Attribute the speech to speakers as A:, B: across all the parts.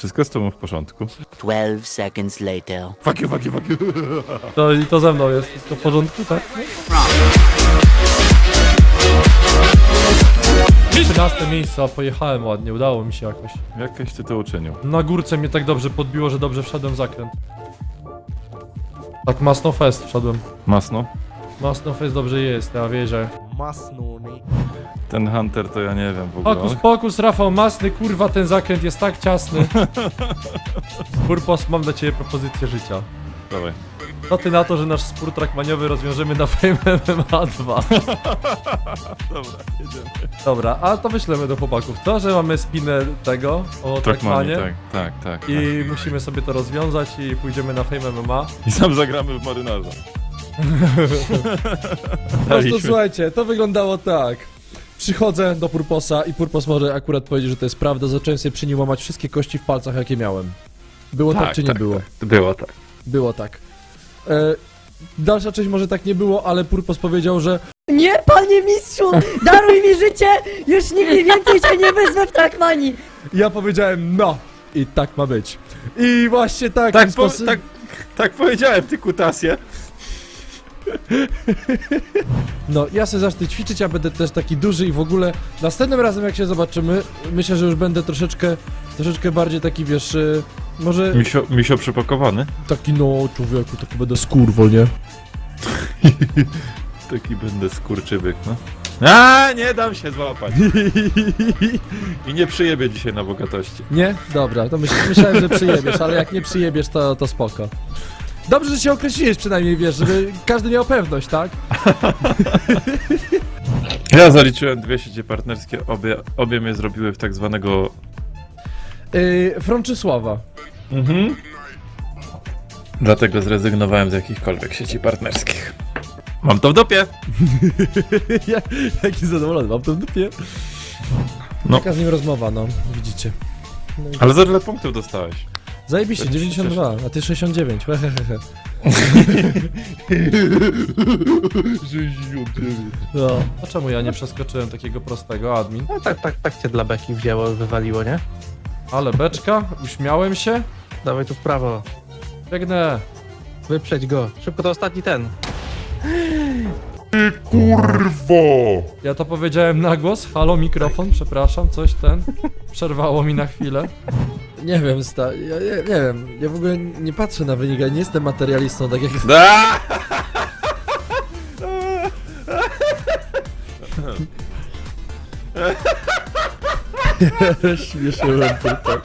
A: Wszystko jest z tobą w porządku.
B: 12 seconds later.
A: Fuck you.
C: To ze mną jest wszystko w porządku, tak? 13 miejsce, a pojechałem ładnie, udało mi się jakoś.
A: Jakieś ty to uczynił.
C: Na górce mnie tak dobrze podbiło, że dobrze wszedłem w zakręt. Tak masno fest wszedłem.
A: Masno?
C: Masno fest dobrze jest, ja wierzę.
A: Ten Hunter to ja nie wiem w ogóle.
C: Pokus, Rafał, masny, kurwa, ten zakręt jest tak ciasny. Purpos, mam dla ciebie propozycję życia.
A: Dawaj.
C: Co ty na to, że nasz spór trackmaniowy rozwiążemy na Fame MMA 2?
A: Dobra, jedziemy.
C: Dobra, a to wyślemy do chłopaków, co? Że mamy spinę tego o
A: Trackmanie,
C: trackmanie
A: tak.
C: i musimy sobie to rozwiązać i pójdziemy na Fame MMA.
A: I sam zagramy w marynarza.
D: To słuchajcie, to wyglądało tak. Przychodzę do Purposa i Purpos może akurat powiedzieć, że to jest prawda. Zacząłem sobie przy nim łamać wszystkie kości w palcach, jakie miałem. Było tak, czy nie było?
A: Tak. Było tak.
D: Było tak. Dalsza część może tak nie było, ale Purpos powiedział, że
E: Nie, panie mistrzu, daruj mi życie, już nigdy więcej cię nie wezmę w Trackmanii.
D: ja powiedziałem no i tak ma być. I właśnie tak.
A: Tak powiedziałem, ty kutasie.
D: No, ja sobie zacznę ćwiczyć, ja będę też taki duży i w ogóle następnym razem jak się zobaczymy, myślę, że już będę troszeczkę bardziej taki, wiesz, może
A: Misio przypakowany.
D: taki, no, człowieku, taki będę skurwol, nie?
A: Taki będę skurczybyk, no. A, nie dam się złapać. I nie przyjebię dzisiaj na bogatości.
D: Nie? Dobra, to myślałem, że przyjebiesz, ale jak nie przyjebiesz, to spoko. Dobrze, że się określiłeś przynajmniej, wiesz, żeby każdy miał pewność, tak?
A: Ja zaliczyłem 2 sieci partnerskie, obie mnie zrobiły w tak zwanego...
D: Frączysława.
A: Dlatego zrezygnowałem z jakichkolwiek sieci partnerskich. Mam to w dupie!
D: Jaki zadowolony, mam to w dupie.
A: No.
D: Taka z nim rozmowa, no, widzicie. No i
A: Ale za ile punktów dostałeś?
D: zajebiście,
A: to się
D: 92, a ty 69, hehehe. No.
C: A czemu ja nie przeskoczyłem takiego prostego, admin?
F: No tak cię dla beki wzięło, wywaliło, nie?
C: Ale beczka, uśmiałem się.
F: Dawaj tu w prawo,
C: Biegnę.
F: wyprzedź go. Szybko, to ostatni ten.
C: Ja to powiedziałem na głos. Halo, mikrofon, przepraszam, coś przerwało mi na chwilę.
D: Nie wiem, ja nie wiem, ja w ogóle nie patrzę na wynik, ja nie jestem materialistą, tak jak...
A: Da!
D: Śmieszyłem tylko.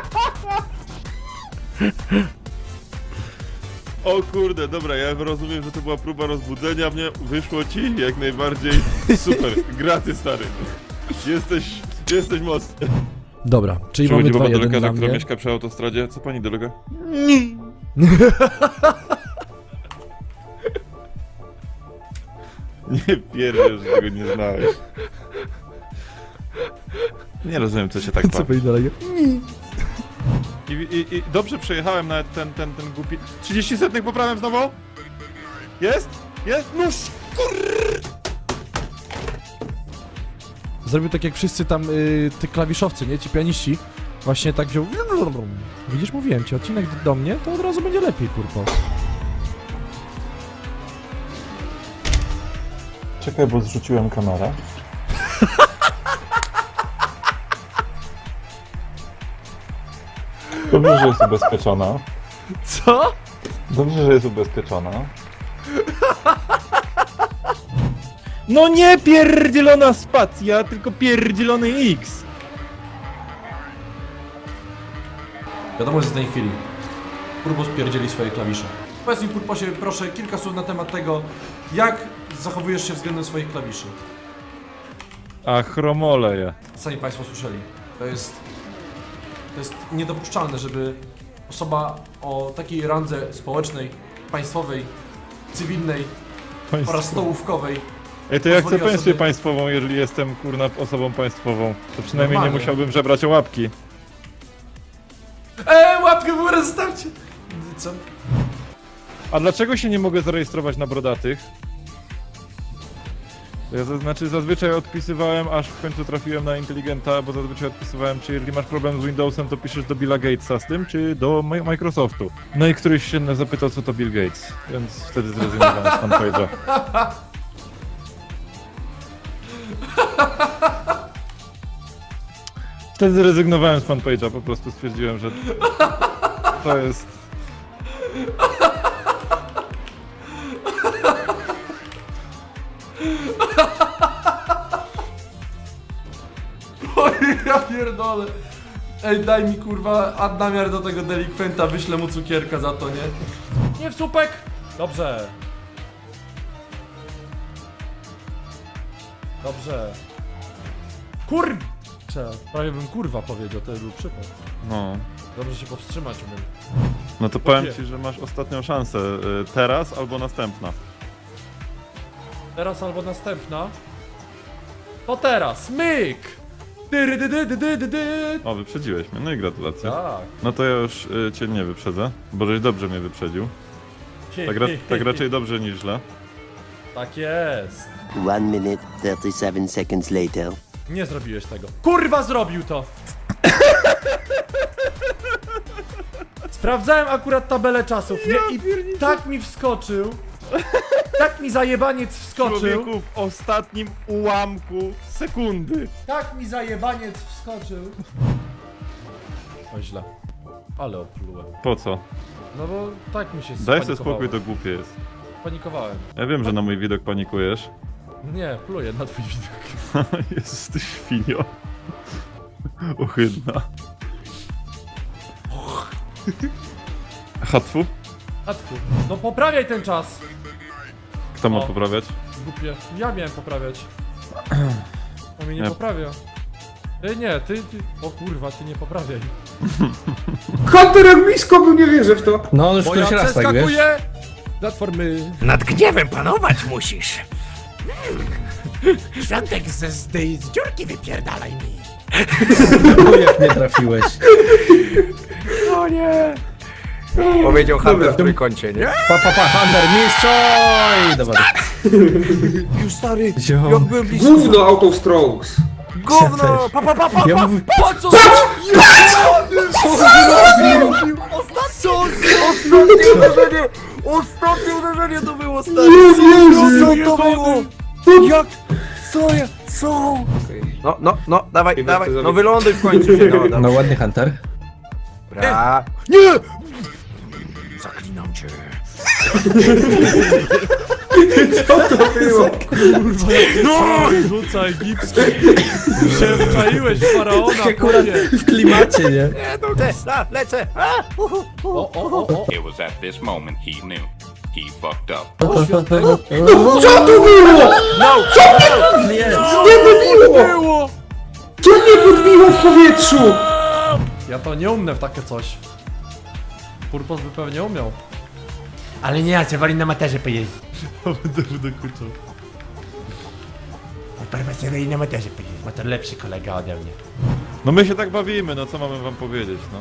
A: O kurde, dobra, ja rozumiem, że to była próba rozbudzenia mnie. Wyszło ci jak najbardziej super. Graty, stary. Jesteś mocny.
D: Dobra, czyli mamy
A: Przychodzi baba do
D: 2-1
A: lekarza,
D: dla
A: która
D: mnie.
A: mieszka przy autostradzie. Co pani dolega? Nie pierdolę, że tego nie znałeś. Nie rozumiem, co się tak
D: Co
A: bawi.
D: pani dolega?
A: I dobrze przejechałem nawet ten głupi... 30 setnych poprawiam znowu? Jest? Jest? Nóż!
D: Zrobił tak jak wszyscy tam, ty klawiszowcy, nie? Ci pianiści. Właśnie tak wziął... Widzisz, mówiłem ci, odcinek do mnie, to od razu będzie lepiej, kurwa.
A: Czekaj, bo zrzuciłem kamerę. Dobrze, że jest ubezpieczona.
D: Co?
A: Dobrze, że jest ubezpieczona. No nie pierdzielona spacja, tylko pierdzielony X.
C: Wiadomo, że z tej chwili Purpos pierdzieli swoje klawisze. Powiedz mi, Purposie, proszę, kilka słów na temat tego, jak zachowujesz się względem swoich klawiszy.
A: A chromoleje.
C: Sami Państwo słyszeli. To jest niedopuszczalne, żeby osoba o takiej randze społecznej, państwowej, cywilnej oraz stołówkowej.
A: Ej, to ja chcę
C: pozwoliła
A: pensję
C: sobie-
A: państwową, jeżeli jestem, kurna, osobą państwową. To przynajmniej
C: Normalnie.
A: nie musiałbym żebrać o łapki.
C: Łapkę w górę zostawcie! Co?
A: A dlaczego się nie mogę zarejestrować na brodatych?
G: Ja zazwyczaj odpisywałem, aż w końcu trafiłem na inteligenta, bo zazwyczaj odpisywałem, czy jeżeli masz problem z Windowsem, to piszesz do Billa Gatesa z tym, czy do Microsoftu. No i któryś się zapytał, co to Bill Gates, więc wtedy zrezygnowałem z fanpage'a. Wtedy zrezygnowałem z fanpage'a, po prostu stwierdziłem, że to jest...
C: Oj, ja pierdolę. Ej, daj mi kurwa namiar do tego delikwenta, wyślę mu cukierka za to, nie?
D: Nie w słupek! Dobrze. Dobrze. Prawie bym kurwa powiedział, to był przypał.
A: No.
D: Dobrze się powstrzymać umiem.
A: No to powiem ci, że masz ostatnią szansę. Teraz albo następna.
D: Teraz albo następna. To teraz, myk!
A: O, wyprzedziłeś mnie, no i gratulacje.
D: Tak.
A: No to ja już cię nie wyprzedzę, bo żeś dobrze mnie wyprzedził. Tak raczej dobrze niż źle.
D: Tak jest.
B: 1 minute, 37 seconds later.
D: Nie zrobiłeś tego. Kurwa zrobił to! Sprawdzałem akurat tabelę czasów, nie? I tak mi wskoczył. Tak mi zajebaniec wskoczył.
A: Człowieku w ostatnim ułamku sekundy.
D: Tak mi zajebaniec wskoczył. O źle. Ale oplułem.
A: Po co?
D: No bo tak mi się
A: Daj sobie
D: spanikowałem.
A: spokój, to głupie jest.
D: Panikowałem.
A: Ja wiem, że na mój widok panikujesz.
D: Nie, pluję na twój widok.
A: Jezus, ty świnio. Ohydna. Hatfu?
D: A tfu. No poprawiaj ten czas.
A: Kto ma
D: O.
A: poprawiać?
D: Głupie. Ja miałem poprawiać. On mnie nie
A: Nie.
D: poprawia. Nie, ty... O kurwa, ty nie poprawiaj.
H: Hunter jak blisko był, nie wierzę w to.
F: No on już
D: Bo ja
F: któryś raz tak, wiesz?
D: przeskakuję! Platformy.
I: Nad gniewem panować musisz. Świątek z dziurki wypierdalaj mi.
F: O, jak nie trafiłeś.
I: O nie. Powiedział Hunter w trójkącie, nie?
F: Hunter, mistrzoj! Dobra.
I: Już stary,
F: Ziom.
I: jak byłem blisko.
H: Gówno out of strokes.
I: Gówno!
F: Ja mówię,
D: Co?
I: Ostatnie uderzenie to było, stary! Co to było? Jak? Co? No, dawaj, no wyląduj w końcu się, no,
F: no ładny Hunter.
I: Dobra. Nie! Zaklinam cię.
D: No! Rzuca egipski. Się wczaiłeś w faraona,
F: Akurat
D: chłopie.
F: w klimacie, nie?
I: Lecę!
D: O.
J: It was at this moment he knew. He fucked up.
H: Co to było?
F: Nie.
H: Było! Co mnie podbiło w powietrzu?
D: Ja to nie umnę w takie coś. Purpos by pewnie umiał.
I: Ale nie, ja chcę wali na materze powiedzieć.
D: Będę kurczał.
I: Profesor na materze powiedzieć, ma to lepszy kolega ode mnie.
A: No my się tak bawimy, no co mamy wam powiedzieć, no.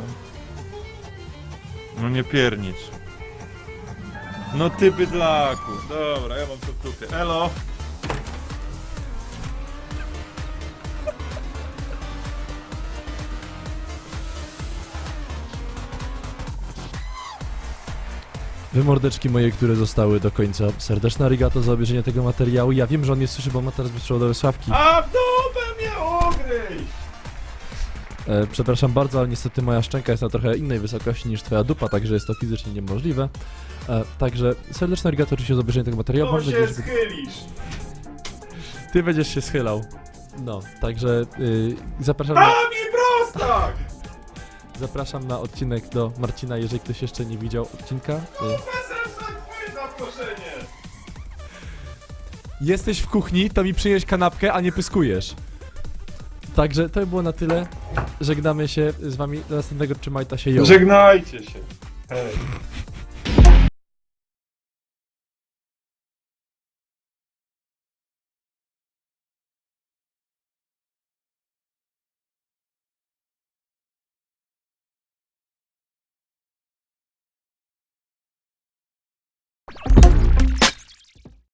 A: No nie piernicz. No ty bydlaku. Dobra, ja mam to w dupie. Elo!
D: Wy mordeczki moje, które zostały do końca. Serdeczna arigato za obejrzenie tego materiału. Ja wiem, że on nie słyszy, bo ma teraz bezprzewodowe słuchawki.
A: A w dupę mnie ogryź!
D: Przepraszam bardzo, ale niestety moja szczęka jest na trochę innej wysokości niż twoja dupa, także jest to fizycznie niemożliwe. Także serdeczna arigato oczywiście za obejrzenie tego materiału. Mam nadzieję, że
A: schylisz!
D: ty będziesz się schylał. No, także zapraszam na...
A: prostak!
D: Zapraszam na odcinek do Marcina, jeżeli ktoś jeszcze nie widział odcinka. Jesteś w kuchni, to mi przynieś kanapkę, a nie pyskujesz. Także to by było na tyle. Żegnamy się z wami. Do następnego. Trzymajcie się. Jo.
A: Żegnajcie się. Hej.